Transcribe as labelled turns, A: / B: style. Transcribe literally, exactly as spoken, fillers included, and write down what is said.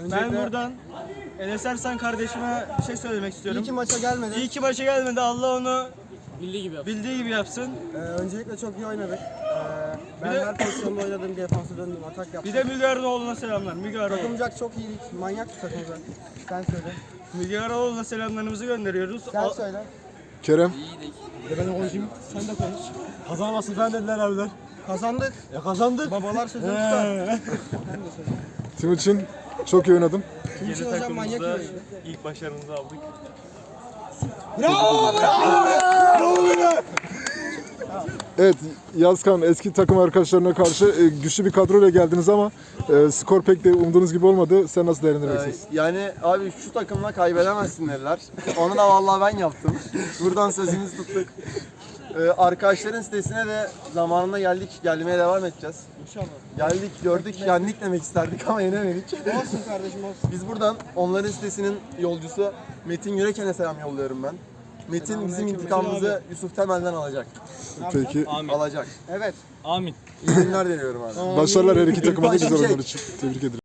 A: Ben buradan Enes Ersan kardeşime bir şey söylemek istiyorum.
B: İyi ki maça gelmedi.
A: İyi ki maça gelmedi. Allah onu
C: Bildiği gibi yapsın.
A: bildiği gibi yapsın.
B: Ee, öncelikle çok iyi oynadık. Ee, ben
A: Bir de-
B: her pozisyonda oynadım, defansa döndüm, atak yaptım.
A: Bir de Müge Arıoğlu'na selamlar. Müge Arıoğlu.
B: Takımcak çok iyiydik, manyak bir takımcak. Sen söyle.
A: Müge Arıoğlu'na selamlarımızı gönderiyoruz.
B: Sen
A: Al-
B: söyle.
D: Kerem.
B: Bir de ben konuşayım, sen de konuş.
C: Kazanamazsın falan dediler abiler.
B: Kazandık.
C: Ya kazandık.
B: Babalar sözünü tutar. Ben de söyle.
D: Timuçin çok iyi oynadım.
B: Timuçin hocam manyak iyi oynadı.
A: ilk başarımızı aldık.
D: Evet, Yazkan eski takım arkadaşlarına karşı e, güçlü bir kadroyla geldiniz ama e, skor pek de umduğunuz gibi olmadı. Sen nasıl değerlendiriyorsunuz?
E: Yani abi şu takımla kaybedemezsin dediler. Onu da vallahi ben yaptım. Buradan sözümüzü tuttuk. Ee, arkadaşların sitesine de zamanında geldik. Gelmeye devam edeceğiz.
B: İnşallah.
E: Geldik, gördük, yendik demek isterdik ama yenemedik.
B: Olsun kardeşim olsun.
E: Biz buradan onların sitesinin yolcusu Metin Yüreken'e selam yolluyorum ben. Metin bizim intikamımızı Yusuf Temel'den alacak.
D: Peki,
E: Alacak.
B: Evet.
C: Amin.
E: İyi günler diliyorum abi.
D: başarılar her iki takıma da
E: Başka
D: güzel
E: bir şey.
D: oyunlar için. Tebrik ederim.